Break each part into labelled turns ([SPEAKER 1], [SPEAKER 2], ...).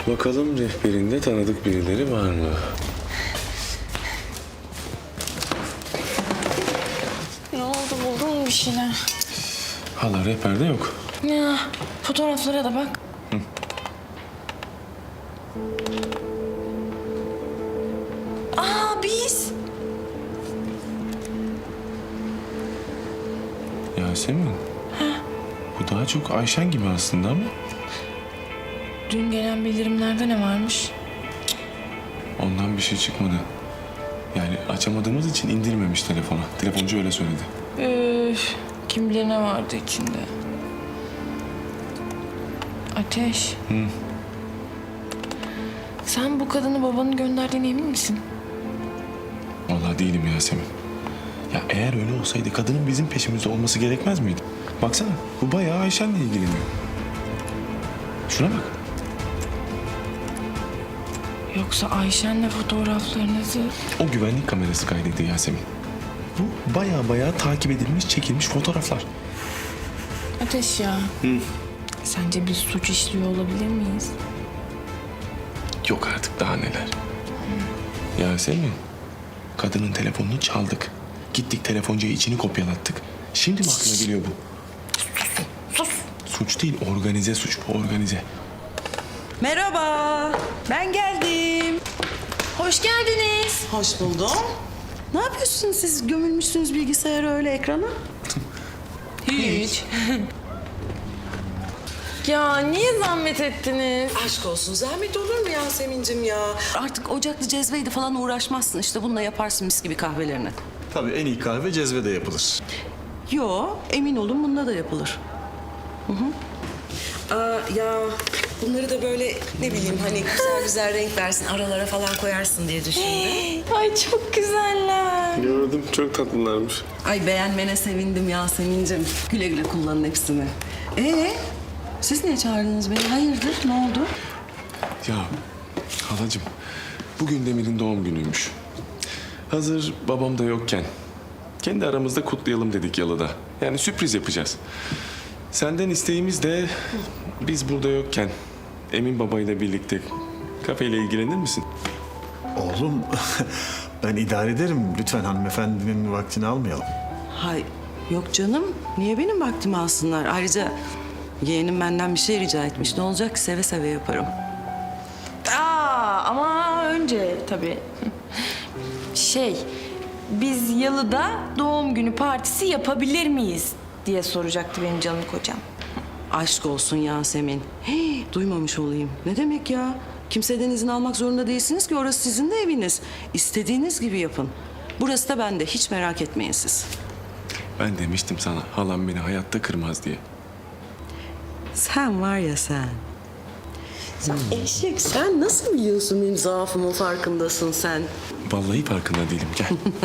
[SPEAKER 1] Bakalım rehberinde tanıdık birileri var mı?
[SPEAKER 2] Ne oldu, buldun mu bir şeyler?
[SPEAKER 1] Hala rehberde yok.
[SPEAKER 2] Ya fotoğraflara da bak. Aa, biz.
[SPEAKER 1] Yasemin. Bu daha çok Ayşen gibi aslında ama.
[SPEAKER 2] Dün gelen bildirimlerde ne varmış?
[SPEAKER 1] Ondan bir şey çıkmadı. Yani açamadığımız için indirmemiş telefona. Telefoncu öyle söyledi.
[SPEAKER 2] Üf, kim bilir ne vardı içinde. Ateş. Sen bu kadını babanın gönderdiğine emin misin?
[SPEAKER 1] Vallahi değilim Yasemin. Ya eğer öyle olsaydı kadının bizim peşimizde olması gerekmez miydi? Baksana bu bayağı Ayşen'le ilgileniyor. Şuna bak.
[SPEAKER 2] Yoksa Ayşen'le fotoğraflarınızı...
[SPEAKER 1] O güvenlik kamerası kaydıydı Yasemin. Bu bayağı takip edilmiş, çekilmiş fotoğraflar.
[SPEAKER 2] Ateş ya. Sence biz suç işliyor olabilir miyiz?
[SPEAKER 1] Yok artık daha neler. Yasemin, kadının telefonunu çaldık. Gittik telefoncuya içini kopyalattık. Şimdi mi aklına geliyor bu?
[SPEAKER 2] Sus.
[SPEAKER 1] Suç değil, organize suç bu, organize.
[SPEAKER 3] Merhaba, ben geldim.
[SPEAKER 2] Hoş geldiniz.
[SPEAKER 3] Hoş buldum. Ne yapıyorsunuz siz? Gömülmüşsünüz bilgisayara öyle ekrana.
[SPEAKER 2] Hiç. Ya niye zahmet ettiniz?
[SPEAKER 3] Aşk olsun, zahmet olur mu Yasemin'cim ya? Artık ocaklı cezveydi falan uğraşmazsın. İşte bununla yaparsın mis gibi kahvelerini.
[SPEAKER 4] Tabii en iyi kahve cezvede yapılır.
[SPEAKER 3] Yo, emin olun bununla da yapılır. Ya bunları da böyle ne bileyim hani güzel güzel renk versin, aralara falan koyarsın diye düşündüm.
[SPEAKER 2] Ay çok güzeller.
[SPEAKER 1] Gördüm, çok tatlılarmış.
[SPEAKER 3] Ay beğenmene sevindim Yasemin'cim. Güle güle kullanın hepsini. Siz niye çağırdınız beni? Hayırdır? Ne oldu?
[SPEAKER 1] Ya halacığım, bugün Demir'in doğum günüymüş. Hazır babam da yokken kendi aramızda kutlayalım dedik yalıda. Yani sürpriz yapacağız. Senden isteğimiz de biz burada yokken Emin babayla birlikte kafeyle ilgilenir misin?
[SPEAKER 4] Oğlum ben idare ederim. Lütfen hanımefendinin vaktini almayalım.
[SPEAKER 3] Hay yok canım. Niye benim vaktimi alsınlar? Ayrıca yeğenim benden bir şey rica etmiş. Ne olacak ki seve seve yaparım.
[SPEAKER 2] Ama önce tabii. Biz yalıda doğum günü partisi yapabilir miyiz diye soracaktı benim canım kocam.
[SPEAKER 3] Aşk olsun Yasemin. Duymamış olayım. Ne demek ya? Kimseden izin almak zorunda değilsiniz ki orası sizin de eviniz. İstediğiniz gibi yapın. Burası da bende. Hiç merak etmeyin siz.
[SPEAKER 1] Ben demiştim sana halam beni hayatta kırmaz diye.
[SPEAKER 3] Sen var ya sen. Eşek sen nasıl biliyorsun benim zaafımın farkındasın sen?
[SPEAKER 1] Vallahi farkında değilim, gel.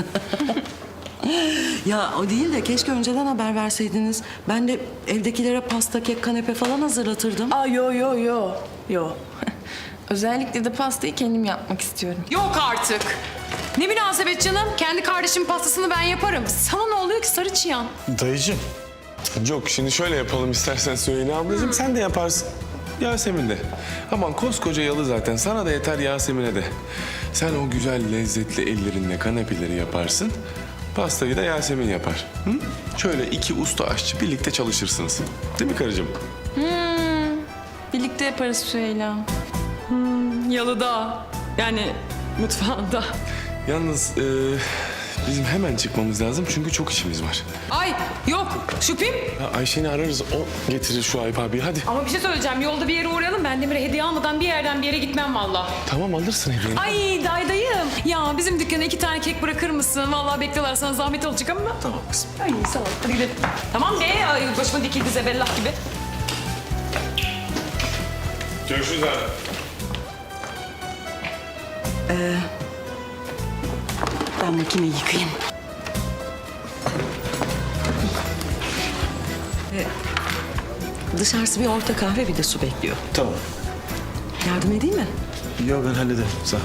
[SPEAKER 3] Ya o değil de keşke önceden haber verseydiniz. Ben de evdekilere pasta, kek, kanepe falan hazırlatırdım.
[SPEAKER 2] Yo. Özellikle de pastayı kendim yapmak istiyorum.
[SPEAKER 5] Yok artık. Ne münasebet canım. Kendi kardeşimin pastasını ben yaparım. Sana ne oluyor ki sarı çıyan?
[SPEAKER 4] Dayıcığım.
[SPEAKER 1] Yok, şimdi şöyle yapalım istersen Süheyla ablacığım, sen de yaparsın. Yasemin de. Aman koskoca yalı zaten, sana da yeter Yasemin'e de. Sen o güzel lezzetli ellerinle kanepeleri yaparsın. Pastayı da Yasemin yapar. Hı? Şöyle iki usta aşçı birlikte çalışırsınız. Değil mi karıcığım?
[SPEAKER 2] Birlikte yaparız Süheyla.
[SPEAKER 5] Yalıda. Yani mutfağında.
[SPEAKER 1] Yalnız bizim hemen çıkmamız lazım çünkü çok işimiz var.
[SPEAKER 5] Ay yok şüphem.
[SPEAKER 1] Ya Ayşe'ni ararız, o getirir şu Ayıp abi, hadi.
[SPEAKER 5] Ama bir şey söyleyeceğim. Yolda bir yere uğrayalım. Ben Demir'e hediye almadan bir yerden bir yere gitmem vallahi.
[SPEAKER 1] Tamam, alırsın hediyeni.
[SPEAKER 5] Ay dayım. Ya bizim dükkana 2 tane kek bırakır mısın? Vallahi bekliyorlar, sana zahmet olacak ama.
[SPEAKER 4] Tamam kızım.
[SPEAKER 5] Ay sağ ol. Hadi gidelim. Tamam be. Ay, başıma dikildi zebellah gibi.
[SPEAKER 1] Görüşürüz abi.
[SPEAKER 3] Ben makineyi yıkayayım. Dışarısı bir orta kahve bir de su bekliyor.
[SPEAKER 4] Tamam.
[SPEAKER 3] Yardım edeyim mi?
[SPEAKER 4] Yok ben hallederim. Sağ ol.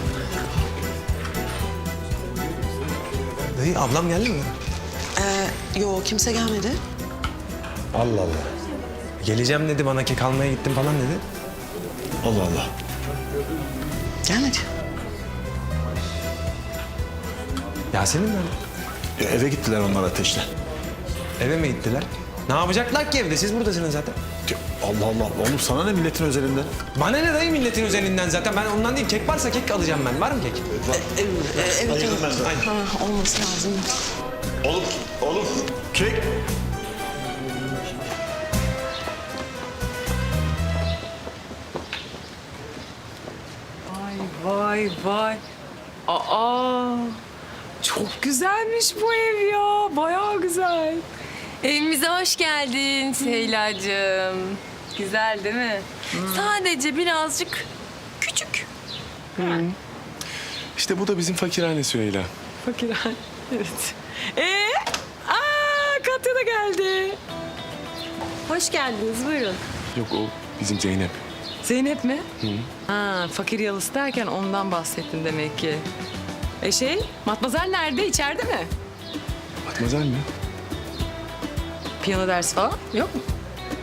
[SPEAKER 6] Dayı ablam geldi mi?
[SPEAKER 3] Yok kimse gelmedi.
[SPEAKER 6] Allah Allah. Geleceğim dedi bana, kek almaya gittim falan dedi.
[SPEAKER 4] Allah Allah.
[SPEAKER 3] Gel hadi.
[SPEAKER 6] Yasemin nerede?
[SPEAKER 4] Eve gittiler onlar Ateş'le.
[SPEAKER 6] Eve mi gittiler? Ne yapacaklar ki evde? Siz buradasınız zaten.
[SPEAKER 4] Allah Allah. Oğlum sana ne milletin özelinden?
[SPEAKER 6] Bana ne dayı milletin üzerinden zaten. Ben ondan değil. Kek varsa kek alacağım ben. Var mı kek?
[SPEAKER 3] Evet.
[SPEAKER 6] Aynen.
[SPEAKER 3] Ha, olması lazım.
[SPEAKER 4] Oğlum. Kek.
[SPEAKER 5] Vay vay. Aa, çok güzelmiş bu ev ya. Bayağı güzel.
[SPEAKER 2] Evimize hoş geldin Seyla'cığım. Güzel değil mi? Sadece birazcık küçük.
[SPEAKER 1] İşte bu da bizim fakirhane Süheyla.
[SPEAKER 5] Fakirhane. Evet. Katya da geldi.
[SPEAKER 2] Hoş geldiniz, buyurun.
[SPEAKER 1] Yok o bizim Zeynep.
[SPEAKER 5] Zeynep mi? Ha, fakir yalısı derken ondan bahsettin demek ki. Matmazel nerede? İçeride mi?
[SPEAKER 1] Matmazel mi?
[SPEAKER 5] Piyano dersi falan yok mu?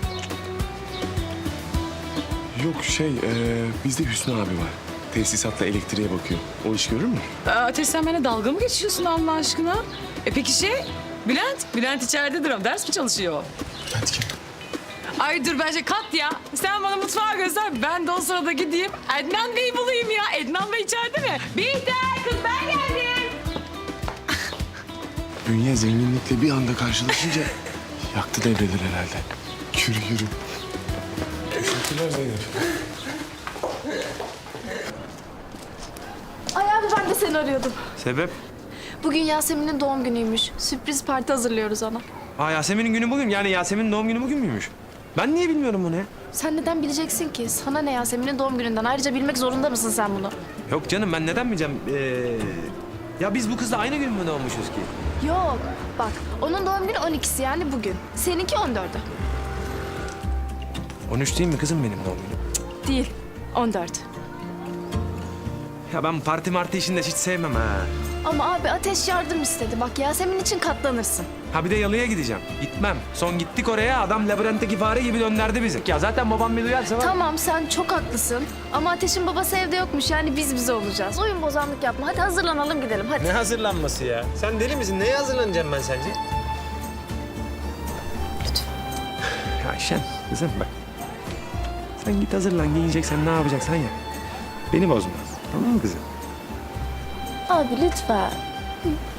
[SPEAKER 1] Yok bizde Hüsnü abi var. Tesisatla elektriğe bakıyor. O iş görür mü?
[SPEAKER 5] Ateş sen benimle dalga mı geçiyorsun Allah aşkına? Peki Bülent? Bülent içeridedir ama ders mi çalışıyor?
[SPEAKER 1] Hadi gel.
[SPEAKER 5] Ay dur bence Katya. Sen bana mutfağı göster. Ben de o sırada gideyim. Ednan Bey'i bulayım ya. Ednan Bey içeride mi? Bihter kız ben geldim.
[SPEAKER 1] Bünye zenginlikle bir anda karşılaşınca yaktı devreleri herhalde. Yürü. Teşekkürler Zeynep.
[SPEAKER 7] Ay abi ben de seni arıyordum.
[SPEAKER 6] Sebep?
[SPEAKER 7] Bugün Yasemin'in doğum günüymüş. Sürpriz parti hazırlıyoruz ona.
[SPEAKER 6] Aa Yasemin'in günü bugün. Yani Yasemin'in doğum günü bugün müymüş? Ben niye bilmiyorum bunu ya?
[SPEAKER 7] Sen neden bileceksin ki? Sana ne Yasemin'in doğum gününden? Ayrıca bilmek zorunda mısın sen bunu?
[SPEAKER 6] Yok canım ben neden bileceğim? Ya biz bu kızla aynı gün mü doğmuşuz ki?
[SPEAKER 7] Yok. Bak onun doğum günü 12'si yani bugün. Seninki 14'ü.
[SPEAKER 6] 13 değil mi kızım benim doğum günüm?
[SPEAKER 7] Değil. 14.
[SPEAKER 6] Ya ben parti işini de hiç sevmem ha.
[SPEAKER 7] Ama abi Ateş yardım istedi. Bak Yasemin için katlanırsın.
[SPEAKER 6] Ha bir de yalıya gideceğim. Gitmem. Son gittik oraya adam labirentteki fare gibi döndürdü bizi. Ya zaten babam bir duyarsa var.
[SPEAKER 7] Tamam sen çok haklısın. Ama Ateş'in babası evde yokmuş. Yani biz bize olacağız. Oyun bozanlık yapma. Hadi hazırlanalım gidelim hadi.
[SPEAKER 6] Ne hazırlanması ya? Sen deli misin? Neye hazırlanacağım ben sence?
[SPEAKER 7] Lütfen.
[SPEAKER 6] Ya Ayşen kızım bak. Sen git hazırlan giyineceksen ne yapacaksan ya. Beni bozma. Tamam mı kızım?
[SPEAKER 7] Abi lütfen.